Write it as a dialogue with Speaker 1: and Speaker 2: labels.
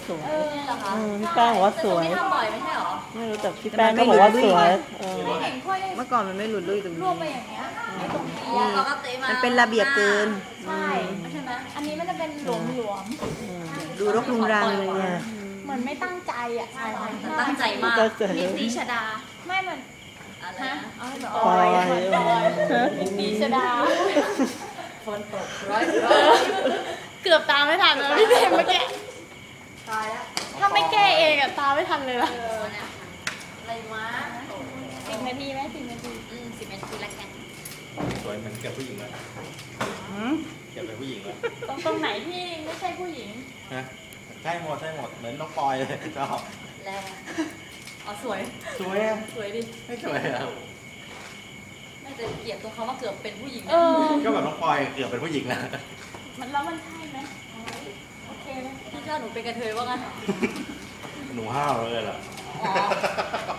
Speaker 1: สวย
Speaker 2: เหรอคะ
Speaker 1: พี่แป้งบอกว่าสวย
Speaker 2: ไม่ทำบ่อยไม่ใช่หรอ
Speaker 1: ไม่รู้แต่พี่แป้งก็บอกว่าสวย
Speaker 2: ไม่เห็นค่อย
Speaker 3: เมื่อก่อนมันไม่หลุดลุ่ยตรง
Speaker 2: ร
Speaker 3: นี้
Speaker 2: วบไปอย่างเงี้ยไอ้ตรงนี้
Speaker 3: นี่
Speaker 2: ปกติมา
Speaker 3: มันเป็นระเบียบเกิน
Speaker 2: ใช่ใช่ไหมอันนี้มันจะเป็นหลวม
Speaker 3: ดูรกรุงรังเลยเนี่ย
Speaker 2: ๆเหมือนไม่ตั้งใจอ่ะใช่
Speaker 4: ตั้งใจมาก
Speaker 1: ก็สวย
Speaker 4: นิชดา
Speaker 2: ไม่มัน
Speaker 4: อะไร
Speaker 2: ฮะ
Speaker 4: นะ
Speaker 2: เอาให้แบบ
Speaker 1: ปล่อย
Speaker 2: ดีชดา
Speaker 4: ฝนตกร้อย
Speaker 2: เกือบตามไม่ทันแล้วพี่เบมเมื่อกี้
Speaker 4: ตายแล้ว
Speaker 2: ถ้าไม่แก้เองอะตามไม่ทันเลยล่ะ
Speaker 4: เนี่ยอะไรวะ
Speaker 2: 10 นาทีไหม10 นาที
Speaker 4: 10 นาทีละกัน
Speaker 5: สวยเหมือนกับผู้หญิงเลยเก็บเป็นผู้หญิงเลย
Speaker 2: ตรงไหนที่ไม่ใช่ผู้หญิง
Speaker 5: ฮะใช่หมดเหมือนน้องปอยเลยชอบ
Speaker 4: แรงอ๋อสวย
Speaker 5: สวยอะ
Speaker 4: สวยดิ
Speaker 5: ไม่สวยอะ
Speaker 4: ไม่แต่เกลียดตรงเขาว่าเกือบเป็นผู้หญิง
Speaker 2: เออ
Speaker 5: ก็แบบน้องปอยเกือบเป็นผู้หญิงแล้ว
Speaker 2: แล้วมันใช่ไหมโอเคไหม
Speaker 4: พี่เจ้าหนูเป็นกระเทยว่างั้น
Speaker 5: หนูห้าวเลยเหรอ
Speaker 4: อ๋อ